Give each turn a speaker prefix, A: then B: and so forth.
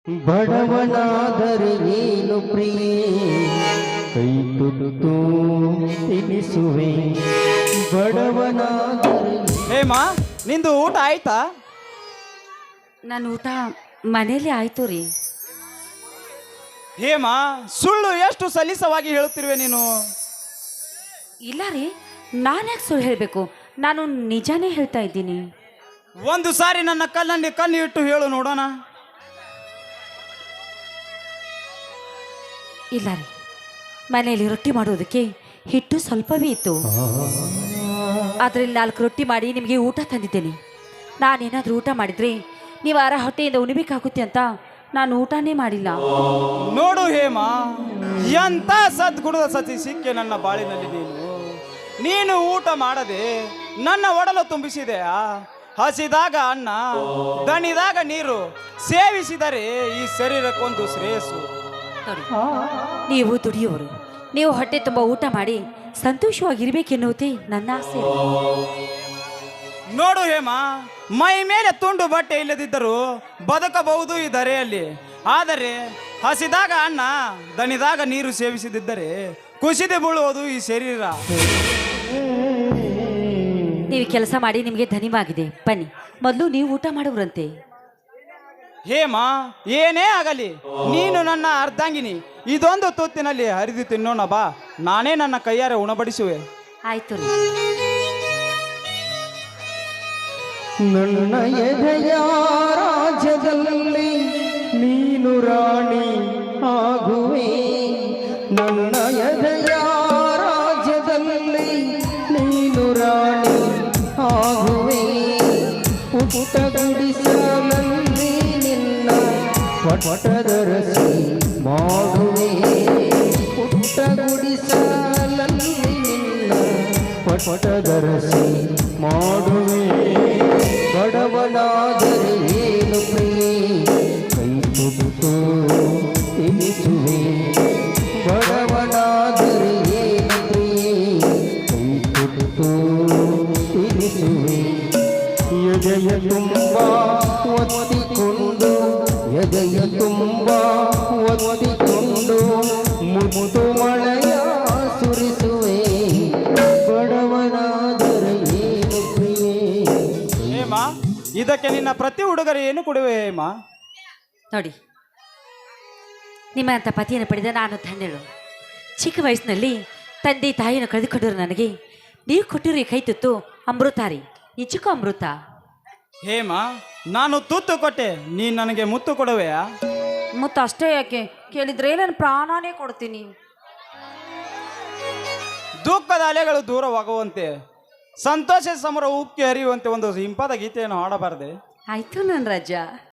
A: ಬಡವನಾದರೆ ಏನು ಪ್ರಿಯೆ ಕೈ ತುತ್ತು ತಿನಿಸುವೆ ಬಡವನಾದರೆ
B: ಹೇಮಾ ನಿಂದು ಊಟ ಆಯ್ತಾ?
C: ನಾನು ಊಟ ಮನೇಲಿ ಆಯ್ತು ರೀ.
B: ಹೇಮಾ ಸುಳ್ಳು ಎಷ್ಟು ಸಲೀಸವಾಗಿ ಹೇಳುತ್ತಿರುವೆ ನೀನು.
C: ಇಲ್ಲ ರೀ, ನಾನು ಯಾಕೆ ಸುಳ್ಳು ಹೇಳಬೇಕು? ನಾನು ನಿಜಾನೇ ಹೇಳ್ತಾ ಇದ್ದೀನಿ.
B: ಒಂದು ಸಾರಿ ನನ್ನ ಕಣ್ಣಲ್ಲಿ ಕಣ್ಣು ಇಟ್ಟು ಹೇಳು ನೋಡೋಣ.
C: ಇಲ್ಲ ರೀ, ಮನೆಯಲ್ಲಿ ರೊಟ್ಟಿ ಮಾಡೋದಕ್ಕೆ ಹಿಟ್ಟು ಸ್ವಲ್ಪವೇ ಇತ್ತು. ಅದರಲ್ಲಿ 4 ರೊಟ್ಟಿ ಮಾಡಿ ನಿಮಗೆ ಊಟ ತಂದಿದ್ದೇನೆ. ನಾನೇನಾದರೂ ಊಟ ಮಾಡಿದರೆ ನೀವು ಹೊಟ್ಟೆಯಿಂದ ಉಣಿಬೇಕಾಗುತ್ತೆ ಅಂತ ನಾನು ಊಟನೇ ಮಾಡಿಲ್ಲ.
B: ನೋಡು ಹೇಮಾ, ಎಂತ ಸದ್ಗುಣದ ಸತಿ ಸಿಕ್ಕೆ ನನ್ನ ಬಾಳಿನಲ್ಲಿ ನೀನು ಊಟ ಮಾಡದೆ ನನ್ನ ಒಡಲು ತುಂಬಿಸಿದೆಯಾ? ಹಸಿದಾಗ ಅನ್ನ, ದಣಿದಾಗ ನೀರು ಸೇವಿಸಿದರೆ ಈ ಶರೀರಕ್ಕೊಂದು ಶ್ರೇಯಸ್ಸು.
C: ನೋಡಿ, ನೀವು ದುಡಿಯೋರು, ನೀವು ಹೊಟ್ಟೆ ತುಂಬ ಊಟ ಮಾಡಿ ಸಂತೋಷವಾಗಿರ್ಬೇಕೆನ್ನುವುದೇ ನನ್ನ ಆಸೆ.
B: ನೋಡು ಹೇಮಾ, ಮೈ ಮೇಲೆ ತುಂಡು ಬಟ್ಟೆ ಇಲ್ಲದಿದ್ದರೂ ಬದುಕಬಹುದು ಈ ಧರೆಯಲ್ಲಿ. ಆದರೆ ಹಸಿದಾಗ ಅನ್ನ, ದಣಿದಾಗ ನೀರು ಸೇವಿಸದಿದ್ದರೆ ಕುಸಿದು ಬೀಳುವುದು ಈ ಶರೀರ.
C: ನೀವು ಕೆಲಸ ಮಾಡಿ ನಿಮಗೆ ಧನಿವಾಗಿದೆ. ಬನ್ನಿ, ಮೊದಲು ನೀವು ಊಟ ಮಾಡುವರಂತೆ.
B: ಹೇಮಾ, ಏನೇ ಆಗಲಿ ನೀನು ನನ್ನ ಅರ್ಧಾಂಗಿನಿ. ಇದೊಂದು ತುತ್ತಿನಲ್ಲಿ ಹರಿದು ತಿನ್ನೋಣ ಬಾ, ನಾನೇ ನನ್ನ ಕೈಯಾರೆ ಉಣಬಡಿಸುವೆ.
C: ಆಯ್ತು ರೀ.
A: ನನ್ನ ಎದೆಯ ರಾಜ್ಯದಲ್ಲಿ ನೀನು ರಾಣಿ ಆಗುವೆ. ನನ್ನ ಎದೆಯ ರಾಜ್ಯದಲ್ಲಿ ನೀನು ರಾಣಿ ಆಗುವೆ. ಪುಟ್ಟ ಗುಡಿಸಲಲ್ಲಿ ನಿನ್ನ ಪಟದರಸಿ ಮಾಡುವೆ. ಪುಟ್ಟ ಗುಡಿಸಲಲ್ಲಿ ನಿನ್ನ ಪಟದರಸಿ ಮಾಡುವೆ. ಬಡವನಾದರೆ ಏನು ಪ್ರಿಯೆ ಕೈ ತುತ್ತು ತಿನಿಸುವೆ. ಬಡವನಾದರೆ ಏನು ಪ್ರಿಯೆ ಕೈ ತುತ್ತು ತಿನಿಸುವೆ. ಎದೆಯ ತುಂಬ ಒತ್ತಿಕೊಂಡು, ಎದೆಯ ತುಂಬ ಒತ್ತಿಕೊಂಡು ಮುತ್ತು ಮಳೆಯ ಸುರಿಸುವೆ. ಬಡವನಾದರೆ ಏನು ಪ್ರಿಯೆ.
B: ಹೇಮಾ, ಇದಕ್ಕೆ ನಿನ್ನ ಪ್ರತಿ ಉಡುಗೊರೆ ಏನು ಕೊಡುವೆ ಹೇಮಾ?
C: ನೋಡಿ, ನಿಮ್ಮಂಥ ಪತಿಯನ್ನು ಪಡೆದ ನಾನು ಧನ್ಯಳು. ಚಿಕ್ಕ ವಯಸ್ಸಿನಲ್ಲಿ ತಂದೆ ತಾಯಿಯನ್ನು ಕಳೆದುಕೊಂಡರು ನನಗೆ ನೀವು ಕೊಟ್ಟಿರೋ ಈ ಕೈ ತುತ್ತು ಅಮೃತ ರೀ, ನಿಜಕ್ಕೂ ಅಮೃತ.
B: ಹೇಮಾ, ನಾನು ತುತ್ತು ಕೊಟ್ಟೆ, ನೀನು ನನಗೆ ಮುತ್ತು ಕೊಡುವೆಯಾ?
C: ಮುತ್ತು ಅಷ್ಟೇ ಯಾಕೆ, ಕೇಳಿದ್ರೆ ನಾನು ಪ್ರಾಣನೇ ಕೊಡ್ತೀನಿ.
B: ದುಃಖದ ಅಲೆಗಳು ದೂರವಾಗುವಂತೆ, ಸಂತೋಷ ಸಮರ ಉಕ್ಕಿ ಹರಿಯುವಂತೆ ಒಂದು ಇಂಪಾದ ಗೀತೆಯನ್ನು ಹಾಡಬಾರದೆ?
C: ಆಯ್ತು ನನ್ನ ರಾಜ.